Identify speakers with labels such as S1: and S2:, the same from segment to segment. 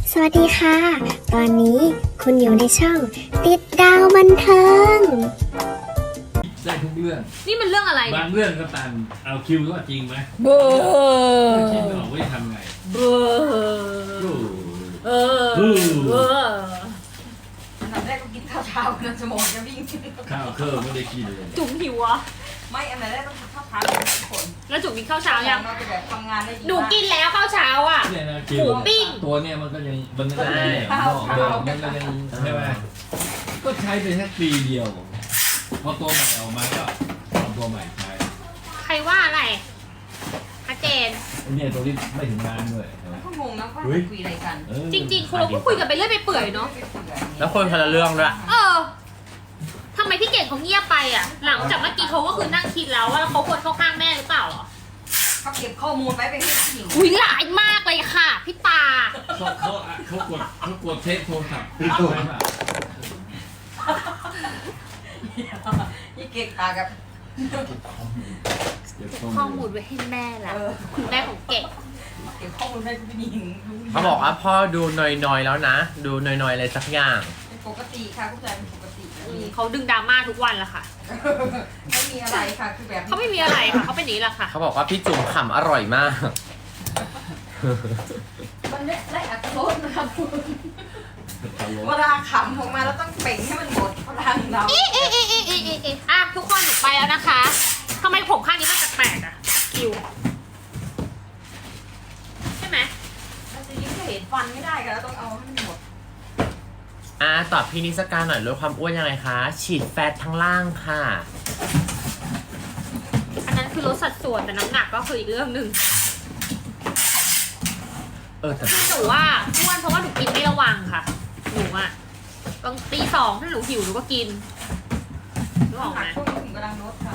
S1: สวัสดีค่ะ ตอนนี้คุณอยู่ในช่องติดดาวบันเทิง
S2: ได้ทุกเรื่อง
S3: นี่มันเรื่องอะไร
S2: บางเรื่องก็ตันเอาคิวก็จริงไหม
S3: เบอร์
S2: คิดไม่ออกว่าจะทำไง
S3: เบอร์
S2: โอ้
S3: เออเบอร์
S4: อันดับแรกก็กินข้าวเช้ากันสมองจะวิ่ง
S2: ข้าวเครื่องไม่ได้กินเลย
S3: จุ๋มหิวอ่ะ
S4: ไม่อันดับแรกต้องกินข้าวเช้ากันทุกคน
S3: แล้วจุ๋มกินข้าวเช้ายัง
S4: เราจะแบบทำงานได้ดี
S3: หนูกินแล้วข้าวเช้าอ่ะ
S2: เนี่ยนะคิว
S3: หมูปิ้ง
S2: ตัวเนี่ยมันก็ยังมันก็ยังแหลมนอกเดิมมันก็ยังใช่ไหมก็ใช้ไปแค่ปีเดียวพอตัวใหม่ออกมาก็เอาตัวใหม่ใช้
S3: ใครว่าอะไรชัดเจน
S2: เนี่ยตัวนี้ไม่ถึงงานด้วยใช่ไหม
S4: ก็งงนะว่าจะคุยอะไรกัน
S2: เออ
S3: จริงๆคุณเราก็คุยกันไปเรื่อยไปเปื่อยเนาะ
S5: แล้วคนคนละเรื่องด้วย
S3: เออทำไมพี่เก่งเขาเงียบไปอ่ะ หลังจากเมื่อกี้เขาก็คือนั่งคิดแล้วว่าเขาควรเข้าข้างแม่หรือเปล่าเหรอ
S4: เขาเก็บข้อมูลไว้เป็นผู้หญิง
S3: อุ้ยหลายมากเลยค่ะพี่ตา
S2: เขากดเทปโทรศัพท์ไปเปล่า
S4: ยี่เก็กตากับ
S2: เก็บ
S3: ข้อมูลไว้ให้แม่ละคุณแม่ของเก่ง
S4: เก็บข้อมูลไว้เป็นผู้หญิง
S5: เขาบอกว่าพ่อดูหน่อยๆแล้วนะ ดูหน่อยๆอะไรสักอย่าง
S4: เป็นปกติค่ะผู้ชายเป็นปกติ
S3: เขาดึงดราม่าทุกวันละค่ะ
S4: ไม่มีอะไรค่ะคือแบบ
S3: เขาไม่มีอะไรค่ะเขาเป็นอย่างนี้แหละค่ะ
S5: เขาบอกว่าพี่จุ๋มขำอร่อยมาก
S4: มันได้อัตโนมัตินะครับเวลาขำออกมาแล้วต้องเป่งให้มันหมดพลังเรา
S3: อ่ะทุกคนหนูไปแล้วนะคะทำไมผมข้างนี้มันแปลกๆอ่ะคิวใช่ไหม
S4: เราจะยิ้มเห็นฟันไม่ได้กันแล้วต้องเอาให้มันหมด
S5: ตอบพี่นิสการหน่อยลดความอ้วนยังไงคะ ฉีดแฟตทั้งล่างค่ะ
S3: อันนั้นคือลดสัดส่วนแต่น้ำหนักก็คืออีกเรื่องหนึ่ง
S5: แต่
S3: คือหนูว่าอ้วนเพราะว่าหนูกินไม่ระวังค่ะหนูอ่ะบางตีสองถ้าหนูหิวหนูก็กินนึกออกไหม
S4: ช่วงนี้ถึงกำลังลดค่ะ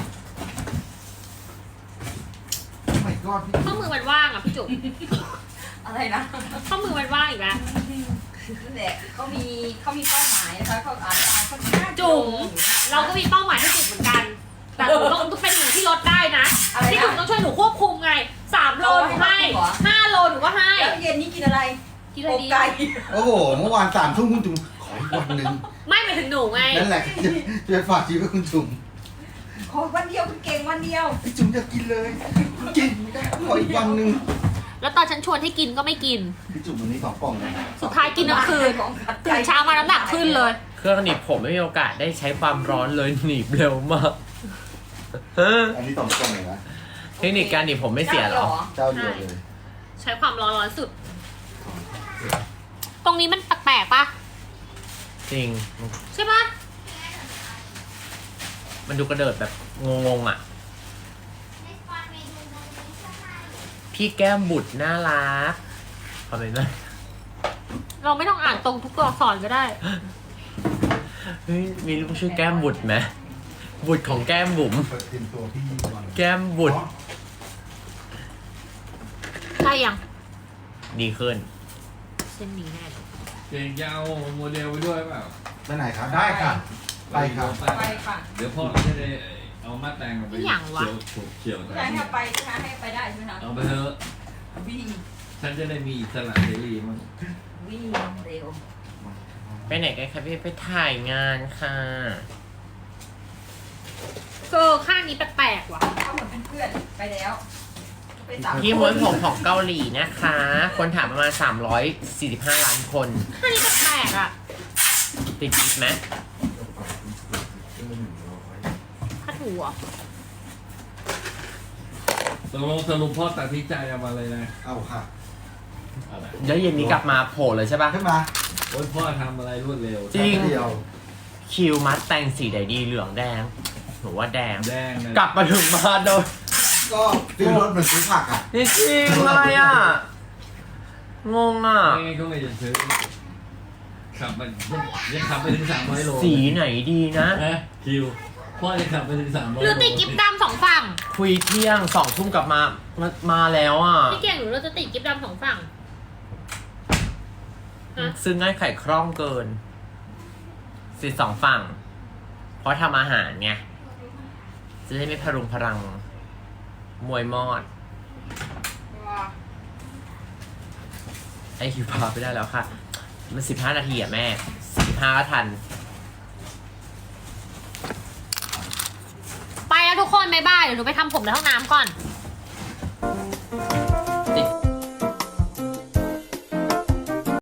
S3: ข้อมือมันว่างอ่ะพี่จุ๋ม
S4: อะไรนะ
S3: ข้อมือมันว่างอีกแล้ว
S4: นั่นแหละเขามีเป้าหมายนะคะเขาอาจจะเขา
S3: จุ๋มเราก็มีเป้าหมายให้จุ๋มเหมือนกัน แต่หนูต้องเป็นหนูที่ลดได้นะที่จุ๋มต้องช่วยหนูควบคุมไง3 โลหนูให้5 โลหนูก็ให้
S4: แล้วเย็นนี้กินอะไร
S3: กินอะไรดี
S4: ไก่
S6: โอ้โห เมื่อวาน3 ทุ่มคุณจุ๋มขออีกวันหนึ่ง
S3: ไม่หมายถึงหนูไง
S6: นั่นแหละจะฝากชีวิตคุณจุ๋ม
S4: ขอวันเดียวคุณเก่งวันเดียว
S6: ไอ้จุ๋มอยากกินเลยคุณกินไม่ได้ขออีกวันหนึ่ง
S3: แล้วตอนฉันชวนให้กินก็ไม่กิน
S6: พี่จุ๋มวันนี้2 กล่องนะ
S3: สุดท้ายกินทั้งคืนตื่นเช้ามาน้ำหนักขึ้นเลย
S5: เครื่องหนีบผมไม่มีโอกาสได้ใช้ความร้อนเลยหนีบเร็วมาก
S6: อันนี้2 กล่องเลยนะ
S5: เทคนิคการหนีบผมไม่เสียหรอ
S6: เจ้าเดียวเลย
S3: ใช้ความร้อนสุด ตรงนี้มันแปลกๆปะ
S5: จริง
S3: ใช่ปะ
S5: มันดูกระเดิดแบบงงๆอ่ะ พี่แก้มบุตรน่ารักขอบคุณนะ
S3: เราไม่ต้องอ่านตรงทุกตัวอักษรก็ได้
S5: เฮ้ยมีลูกชื่อแก้มบุตรไหมบุตรของแก้มบุ๋ม
S6: เปิดเต็มตัวพี่วัน
S5: แก้มบุตร
S3: ได้ยัง
S5: ดีขึ้น
S3: เส้นนี้แน่เลย
S2: เก่งยาวโมเดลไปด้วยเปล่า
S6: ไปไหนครับ ได้ค่ะ ไปครับ
S4: ไปค่ะ
S2: เดี๋ยวพ่อจะได้เอามาแต่งไปเขียว
S4: อยากให้ไปใช่ไหมให้ไปได้ใช่ไหมคะ
S2: เอาไปเถอะ
S4: วิ่ง
S2: ฉันจะได้มีอิสระเสรีมั้ง
S4: วิ่งเร็ว
S5: ไปไหนกันคะพี่ไปถ่ายงานค่ะ
S3: ข้างนี้แปลกๆว่ะ
S4: เขาเหมือนเป็นเพื่อนไปแล้วไปสาม
S5: พี่ม้วนผมของเกาหลีนะคะ คนถามประมาณ345 ล้านคน
S3: ข้างนี้แปลกๆอ่ะ
S5: ติดกิ๊บไหม
S3: ถ้าถูอ่ะ
S2: ตกลงสรุปพ่อตัดสินใจเอามาเลยนะ
S6: เอาค่ะ
S2: อะไร
S5: เดี๋ยวเย็นนี้กลับมาโผล่เลยใช่ปะ
S6: ขึ้นมา
S2: โอ้ยพ่อทำอะไรรวดเร็ว
S5: จริง
S6: เดียว
S5: คิวมัดแต่งสีใดดีเหลืองแดงหนูว่าแดง
S2: แดงนะ
S5: กลับมาถึงมาโดน
S6: ก็ซื้อรถเหมือนซื้อผักอ่ะ
S5: นี่จริงเลยอ่ะ งงอ่ะ
S2: ไม่งั้นก็ไม่จะซื้อขับมันยังขับไปถึง300 โล
S5: สีไหนดีนะ
S2: นะคิวพ่อจะขับไปถึง300
S3: หรือติดกิ๊บดำ2 ฝั่ง
S5: คุยเที่ยง2 ทุ่มกลับมาแล้วอ่ะ
S3: พี่เก่งหรือเราจะติดกิ๊บดำ2 ฝั่งฮะ
S5: ซึ่งง่ายไข่คล่องเกินสิ2 ฝั่ง เพราะทำอาหารไงจะได้ไม่พรุงพรัง มวยมอด ไอคิวพาไปได้แล้วค่ะ มัน15 นาทีอะแม่15ก็ทัน
S3: ไปแล้วทุกคนบ๊ายบายเดี๋ยวหนูไปทำผมในห้องน้ำก่อน